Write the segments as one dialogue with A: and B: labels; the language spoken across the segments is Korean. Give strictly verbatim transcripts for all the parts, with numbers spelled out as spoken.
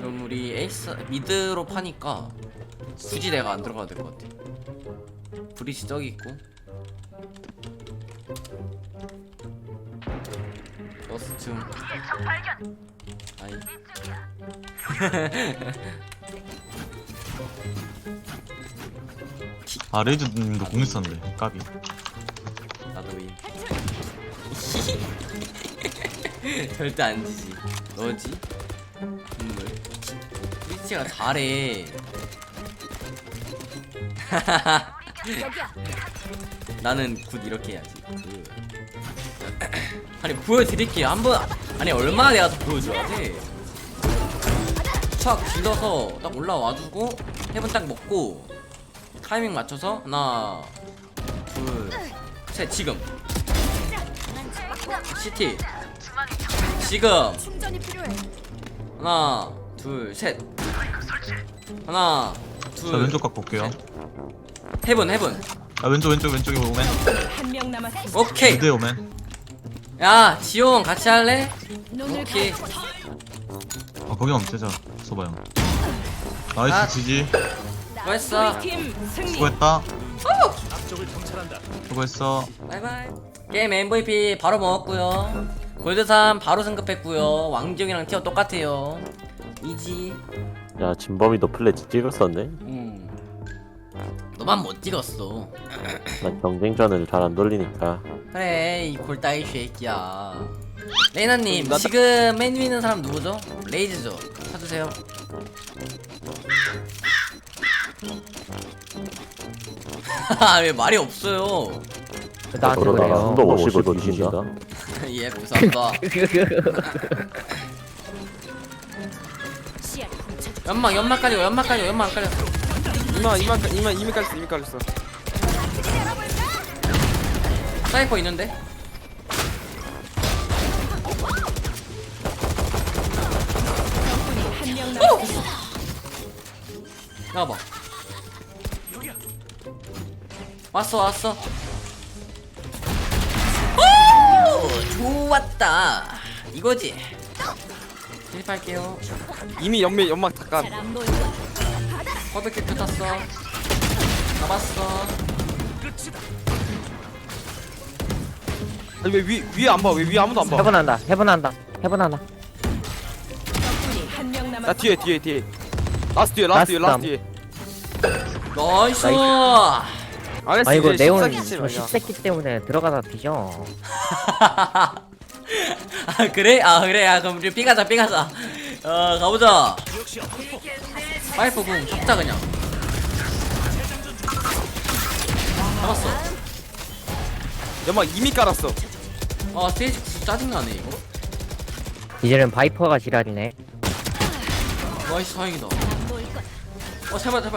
A: 그럼 우리 에이스 미드로 파니까 굳이 내가 안 들어가도 될 것 같아. 브리시 저기 있고. 러스툼. 아이.
B: 아 레이즈님도 공 있었는데 까비.
A: 나도 윈. 절대 안 지지. 너지? 눈물. 브리치가 잘해. 나는 굿 이렇게 해야지. 그... 아니 보여드릴게요 한번. 아니 얼마나 내가 더 보여줘야 돼. 착 질러서 딱 올라와주고 헤븐 딱 먹고 타이밍 맞춰서 하나 둘셋 지금 시티 지금 하나 둘셋 하나 둘
B: 자 왼쪽 각 볼게요.
A: 헤븐 헤븐
B: 아 왼쪽 왼쪽 왼쪽에 오멘.
C: 한명 남았습니다.
A: 오케이.
B: 미드에 오멘.
A: 야 지용 같이 할래? 오케이.
B: 아 거기 없지 자 소바 형. 나이스
A: 아.
B: 지지.
A: 수고했어.
C: 팀 승리.
B: 수고했다. 수고했어.
A: 바이바이. 게임 엠브이피 바로 먹었고요. 골드삼 바로 승급했고요. 왕지용이랑 티어 똑같아요. 이지.
D: 야 진범이도 플래치 찍었었네.
A: 음. 너만 못 찍었어.
D: 나 경쟁전을 잘 안 돌리니까.
A: 그래 이 골따이 쉐이키야. 레이나님 지금 맨 위에 있는 사람 누구죠? 레이즈죠. 찾으세요. 왜 말이 없어요?
E: 나한테
D: 그러다가
E: 그래요.
D: 한도 오십을 뒤진다.
A: 예 감사합니다. 연막 연막 깔리고 연막 깔리고 연막 안 깔렸어.
F: 이만 이만 이만 이미 깔렸어 이미 깔렸어.
A: 사이퍼 있는데?
C: 한명 남았습니다.
A: 나와봐. 왔어 왔어. 오 좋았다. 이거지. 실패할게요.
F: 이미 연매 연막 다 깐.
C: 잘안 보여.
A: 버드킥 탔어. 잡았어.
F: 아니 왜 위 위에 안 봐? 왜 위에 아무도 안 봐?
E: 해본한다. 해본한다. 해본한다.
C: 한명
F: 나
C: 남았습니다.
F: 뒤에 뒤에 뒤에. 라스트 뒤에 라스트 뒤에 라스트 뒤에.
A: 나이스.
F: 알았어
E: 아이고
F: 이제
E: 네온
F: 십사기 치
E: 저
F: 말이야.
E: 십새끼 때문에 들어가다 뒤져.
A: 아 그래? 아 그래. 아 그럼 우리 삐가자 삐가자. 어 가보자. 파이프 궁 잡자 그냥. 잡았어.
F: 연막 이미 깔았어.
A: 아 스테이지 구스 짜증나네 이거.
E: 이제는 바이퍼가 지랄이네.
A: 나이스 다행이다. 어 제발 제발.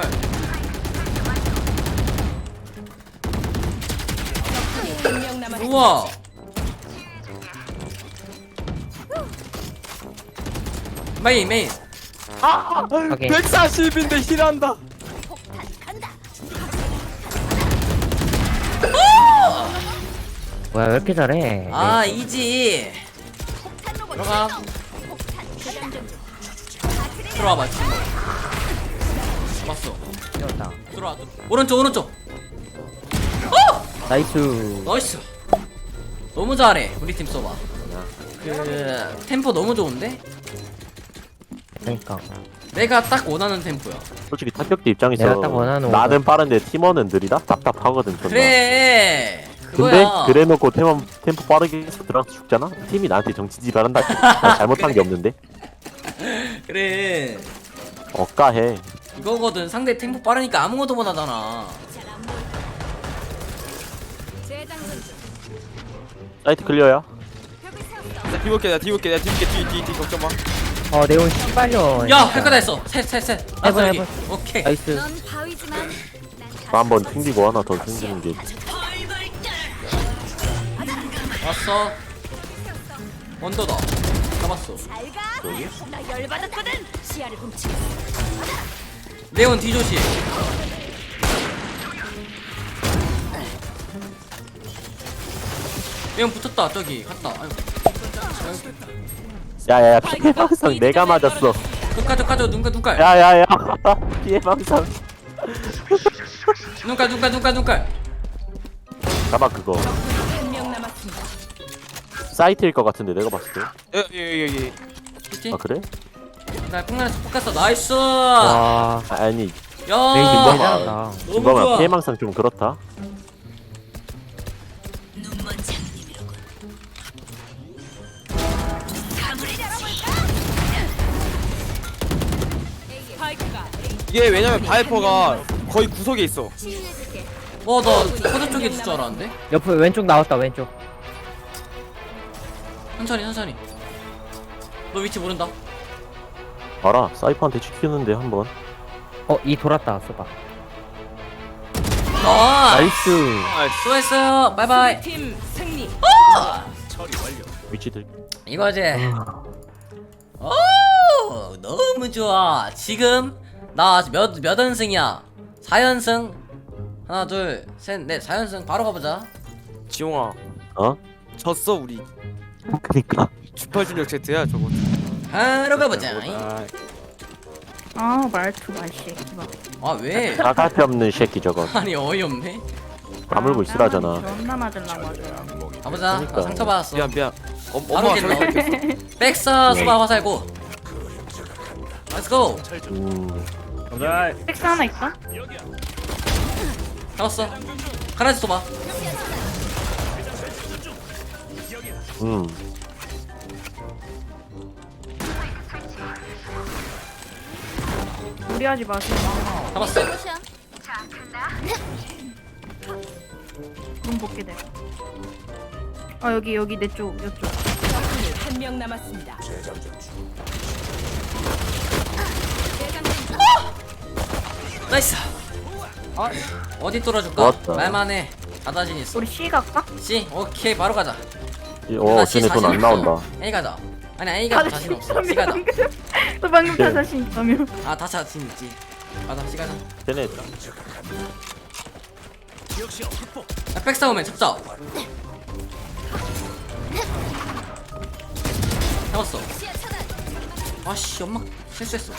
C: 한명 남았습니다.
A: 우와. 메인 메인.
E: 오케이.
F: 백사십인데 힐한다.
E: 뭐야 왜 이렇게 잘해?
A: 아 이지. 들어가. 들어와봐 지금. 잡았어.
E: 뛰었다.
A: 들어와. 오른쪽 오른쪽.
E: 나이스.
A: 나이스. 너무 잘해 우리 팀 써봐. 그 템포 너무 좋은데?
E: 그러니까.
A: 내가 딱 원하는 템포야.
D: 솔직히 타격대 입장에서
E: 내가 딱 원하는
D: 나는 빠른데 팀원은 느리다? 답답하거든 존나.
A: 그래.
D: 근데
A: 그거야.
D: 그래놓고 템po, 템포 빠르게 해서 들어가서 죽잖아? 팀이 나한테 정치지발한다. 나 잘못한 게 없는데?
A: 그래.
D: 억까해.
A: 이거거든. 상대 템포 빠르니까 아무것도 못하잖아.
D: 사이트 클리어야?
F: 나 뒤볼게 나 뒤볼게 나 뒤볼게 뒤 뒤 뒤 걱정 마.
E: 어 네온 씨발려.
A: 야 할 거다 했어. 셋셋셋.
E: 해봐,
A: 여기.
E: 해봐.
A: 오케이.
E: 나이스.
C: 넌 바위지만
D: 나 한번 튕기고 하나 더 생기는 게.
A: 왔어. 원더다. 잡았어.
C: 잘가. 나 열받았거든. 시야를 훔치고.
A: 네온 뒤조심. 네온 붙었다. 저기 갔다. 아이고.
D: 야야야 피해 방송 내가 맞았어.
A: 눈깔 눈깔 눈깔 눈깔
D: 야야야 피해 망상
A: 눈깔 눈깔 눈깔 눈깔.
D: 잡아 그거
C: 한 명 남았습니다.
D: 사이트일 것 같은데 내가 봤을 때.
F: 여기 여기 여기.
A: 피티.
D: 아 그래?
A: 나 콩나라에서 뽑았어. 나이스.
E: 와
D: 아니
E: 레이지 너무
A: 야.
E: 잘한다.
A: 너무
D: 김범아
A: 좋아.
D: 피해 망상 좀 그렇다.
C: 스파이크가
F: 이게 왜냐면 바이퍼가 거의 구석에 있어.
C: 치유해줄게.
A: 어, 나 코드 쪽에 있을 줄 알았는데.
E: 옆에 왼쪽 나왔다 왼쪽.
A: 천천히 천천히. 너 위치 모른다.
D: 알아 사이퍼한테 지키는데 한번.
E: 어이 돌았다 써봐.
A: 나.
D: 나이스.
F: 아,
A: 수고했어요. 바이바이.
C: 팀 승리.
D: 위치 들.
A: 이거지. 오, 너무 좋아. 지금 나 몇 몇 연승이야? 사 연승. 하나, 둘, 셋, 넷, 사 연승. 바로 가보자.
F: 지용아,
D: 어?
F: 졌어 우리.
D: 그니까.
F: 주팔준력 제트야 저거.
A: 바로 가보자.
G: 아 말투 말씨
A: 아 왜?
D: 나갈데 없는 새끼 저거.
A: 아니 어이없네.
D: 까물고 있으라잖아.
G: 존나 맞으려고 하죠.
A: 가보자.
D: 그러니까.
A: 나 상처 받았어.
F: 미안 미안. 어,
A: 바로
F: 엄마가
A: 킬러.
F: 저렇게
A: 백사 수바 화살고. Let's go.
D: 음.
G: 텍스 하나 있다?
A: 잡았어. 카라지 쏘봐.
D: 음.
G: 무리하지 마세요.
A: 잡았어.
G: 눈 볼게 돼. 아 여기 여기 내 쪽 이쪽.
C: 적군이 한 명 남았습니다.
A: 나이스. 어디 뚫어줄까?
D: 좋았다.
A: 말만 해. 자다진 있어.
G: 우리 C 갈까?
A: C 오케이 바로 가자.
D: 어
A: 나 C
D: 쟤네 돈
A: 자신
D: 안
A: 없어.
D: 나온다.
A: A 가자. 아니 A가 자신 없어. C 가자.
G: 너 방금
D: 네.
G: 다 자신 있다며.
A: 아다 자신 있지. 가자 C 가자.
D: 쟤네
A: 야, 백사오면 잡자. 잡았어. 아씨 연막 실수했어.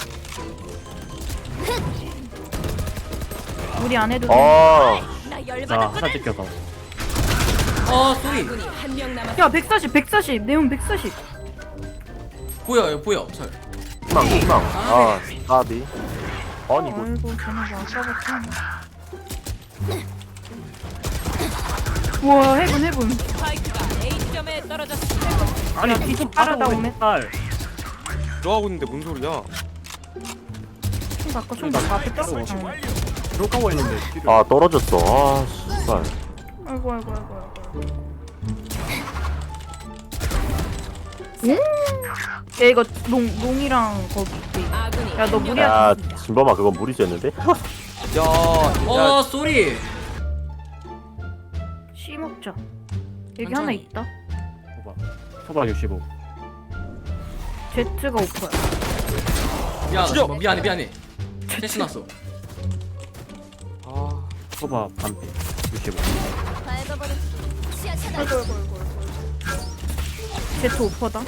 G: 우리 안 해도 돼.
D: 어.
C: 나 열받았거든.
E: 뜯겨서.
A: 어 소리.
C: 적군이 한 명 남았.
G: 야 백사십 백사십 네온 백사십.
A: 보여 여기 보여. 설.
D: 희망 희망. 아 까비. 아니 이거
G: 아이고 쟤네 뭐 아까부터. 우와 해본 해본.
C: 스파이크가 A점에 떨어졌습니다.
G: 아니 뒤좀 빠르다 오네.
F: 들어가고 있는데 뭔 소리야?
G: 총 바꿔 총 바꿔 앞에 떨어져.
D: 아 떨어졌어. 아 씨발.
G: 아이고 아이고 아이고 아이고. 음? 야 이거 농 농이랑 거기.
C: 아군이
G: 야, 너
C: 한 명
G: 무리하지
D: 야
C: 남았습니다.
D: 진범아 그건 무리수였는데?
F: 야,
A: 어
F: 야,
A: 소리.
G: C 먹자. 여기
A: 천천히.
G: 하나 있다.
E: 소바 육십오.
G: Z가 오퍼야.
A: 야
F: 죽여.
A: 나 미안해 미안해. 실수 났어.
F: 아,
E: 소바 반피 육십오.
G: 아이고 아이고 아이고 아이고. Z 오퍼다.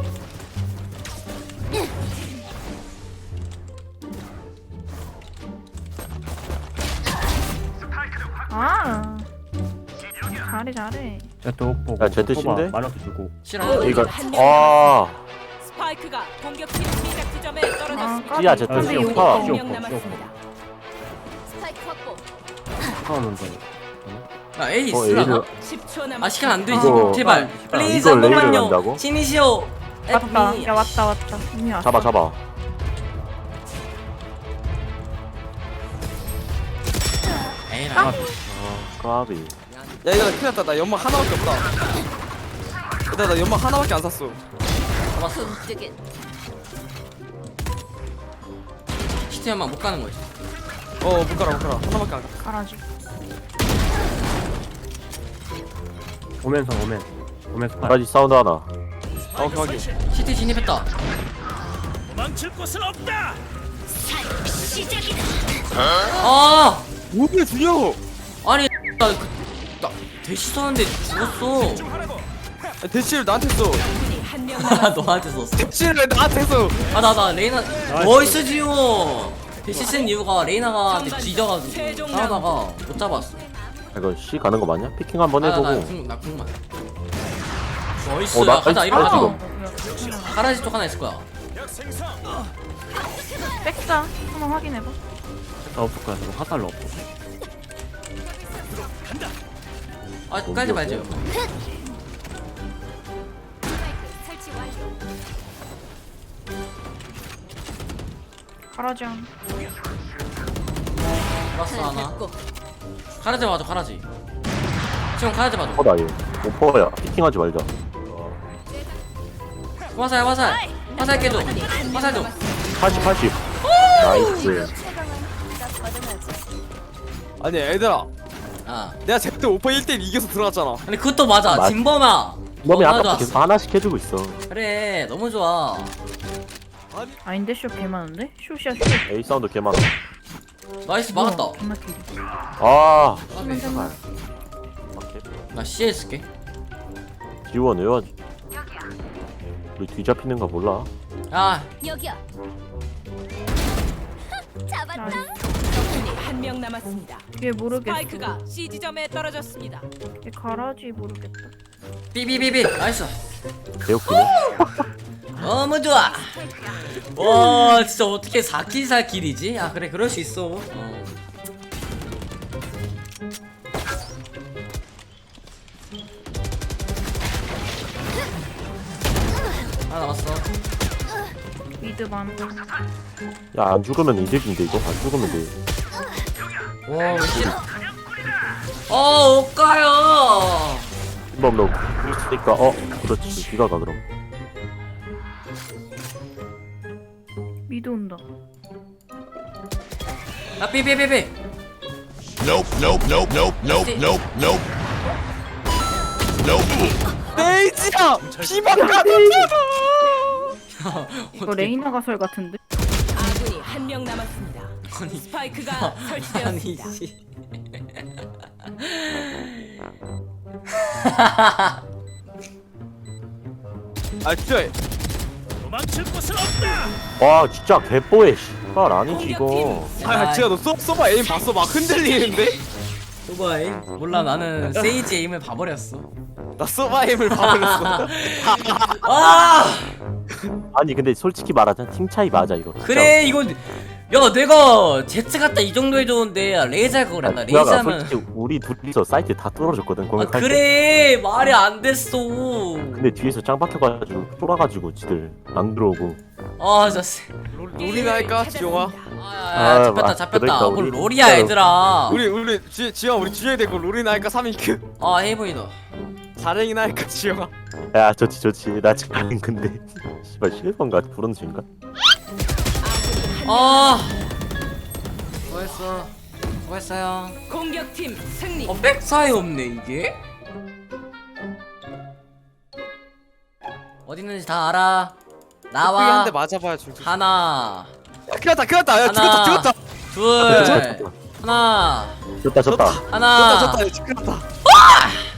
G: 아. 잘해 잘해.
E: 또 보고.
D: 야, 제트 신데?
E: 만원 주고.
A: 싫어.
D: 이거
C: 한명
D: 아
C: 스파이크가 공격팀 시작 지점에 떨어졌습니다.
G: 아,
D: C야 Z
G: 근데
E: C
G: 여기
E: 오퍼.
C: 한
E: C
C: 명
E: 오퍼.
C: 남았습니다. 스파이크 확보.
E: 하는데.
A: 야 A
D: 어,
A: 있으려나?
D: A를-
C: 십 초 남았습니다.
A: 아 시간 안 되지.
D: 이거-
A: 제발.
E: 아,
A: 플리즈
D: 이걸
A: 한
D: 레이를
A: 번만요.
D: 간다고?
A: 신이시오.
G: 왔다. 야 왔다 왔다. 이미 왔어.
D: 잡아 잡아.
A: 에이라.
D: 아 까비.
F: 야 이거 나 큰일 났다. 나 연막 하나밖에 없다. 일단 나 연막 하나밖에 안 샀어.
A: 잡았어.
C: 뜨긴.
A: 시티만 못 가는 거지.
F: 어, 못 가라, 못 가라. 하나밖에 안 샀어.
G: 가라지.
E: 오면서 오면. 오면서 팔.
D: 까지 사운드 하나.
F: 어, 그하기.
A: 시티 진입했다. 아
F: 뭐야, 죽여!
A: 아니 나, 그, 나 대시 썼는데 죽었어.
F: 야, 대치를 나한테 써.
C: 적군이 한 명 한명 남았습니다.
A: 너한테 썼어.
F: 캡슐을 왜 나한테 했어?
A: 아 나 나 레이나 나이스 지오. 실신 이유가 레이나가 뒤져가지고 싸우다가 못 잡았어.
D: 이거 C 가는 거 맞냐? 피킹 한번 해보고.
A: 아나나나 궁만. 나이스.
D: 어, 나
A: 가자 이리
D: 아,
A: 가자.
D: 지금.
A: 가라지 쪽 하나 있을 거야.
G: 백사 한번 확인해봐.
E: 나 없을 거야. 저거 화살로 없어.
A: 아 깔지 말지.
C: 설치 완료.
G: 가라지 안.
A: 알았어 하나. 가라지 맞아 가라지. 지금 가라지 맞아.
D: 오퍼다 얘. 오퍼야. 피킹하지 말자.
A: 화살 화살. 화살 깨줘. 화살 좀.
D: 팔십 팔십. 나이스.
F: 아니 얘들아,
A: 아.
F: 내가 제때 오퍼 일 대 일 이겨서 들어갔잖아.
A: 아니 그것도 맞아.
D: 맞-
A: 진범아.
D: 몸이
A: 너무
D: 아까
A: 좋았어.
D: 계속 하나씩 해주고 있어.
A: 그래 너무 좋아.
G: 아닌데 쇼 개 많은데? 쇼시야 쇼.
D: A 사운드 개 많아.
A: 나이스 막았다.
G: 우와, 존나 길이.
D: 아.
A: 까비.
D: 제발.
A: 나 씨에 쓸게.
D: 지원 외워야지. 우리 뒤잡히는 거 몰라.
A: 야
C: 여기야. 잡았다.
G: 나이스.
C: 한명 남았습니다.
G: 얘 모르겠어.
C: 스파이크가 C 지점에 떨어졌습니다.
G: 얘 가라지 모르겠다.
A: 삐삐삐삐 나이스.
D: 개웃기네.
A: 너무 좋아. 와 진짜 어떻게 사 킬 사 킬이지? 아 그래 그럴 수 있어. 어. 하나 남았어.
G: 미드 만.
D: 야, 안 죽으면 이득인데, 이거? 안 죽으면 돼.
A: 와 씨. 어 옷가요.
D: 한번 너, 있으니까, 어, 그렇지. 네가 가, 그럼.
G: 미드 온다.
A: 야 삐삐삐삐.
H: Nope, nope, nope, nope, nope, nope, nope.
F: 레이지야, 피방가.
G: 이거 레이나 가설 같은데?
C: 아군이 한 명 남았습니다.
A: 아니
C: 스파이크가
A: 아니
C: 설치되었습니다.
A: 씨.
F: 아 진짜.
D: 와, 진짜 개뽀해, 씨발. 아니지, 이거.
F: 아 진짜 너 쏘, 쏘봐 에임 봤어? 막 흔들리는데?
A: 소바이 몰라 나는 세이지 에임을 봐버렸어.
F: 나 쏘바 에임을 봐버렸어.
A: 아
D: 아니, 근데 솔직히 말하자. 팀 차이 맞아, 이거. 진짜.
A: 그래 이거 야 내가 제트 갔다 이 정도 해줬는데 레이저 할 거 그랬나?
D: 아니,
A: 레이저
D: 누나가
A: 하면
D: 솔직히 우리 둘이서 사이트 다 뚫어줬거든,
A: 아
D: 공격할 때.
A: 그래 말이 안 됐어.
D: 근데 뒤에서 짱 박혀가지고, 쫄아가지고, 지들 안 들어오고.
A: 아 진짜
F: 롤이나 할까, 지용아?
A: 아야
D: 아,
A: 잡혔다
D: 아,
A: 잡혔다.
D: 그러니까
A: 뭘
D: 우리
A: 롤이야
D: 진짜로.
A: 얘들아.
F: 우리 우리 지, 지영 우리 지영이 되고 롤이나 할까 삼 인큐?
A: 아 헤이보이다.
F: 자랭이나 할까 지영아?
D: 야, 좋지, 좋지. 나 지금 근데, 씨발, 실버인가? 브론즈인가?
A: 아 수고했어 수고했어요.
C: 공격팀 승리.
A: 어 백사이 없네 이게. 어디 있는지 다 알아. 나와.
F: 한대 맞아봐야 죽지.
A: 하나
F: 큰일났다 큰일났다. 야
A: 하나.
F: 죽었다 죽었다.
A: 둘 하나
D: 좋다, 좋다.
A: 하나
F: 죽었다 죽었다. 큰일났다.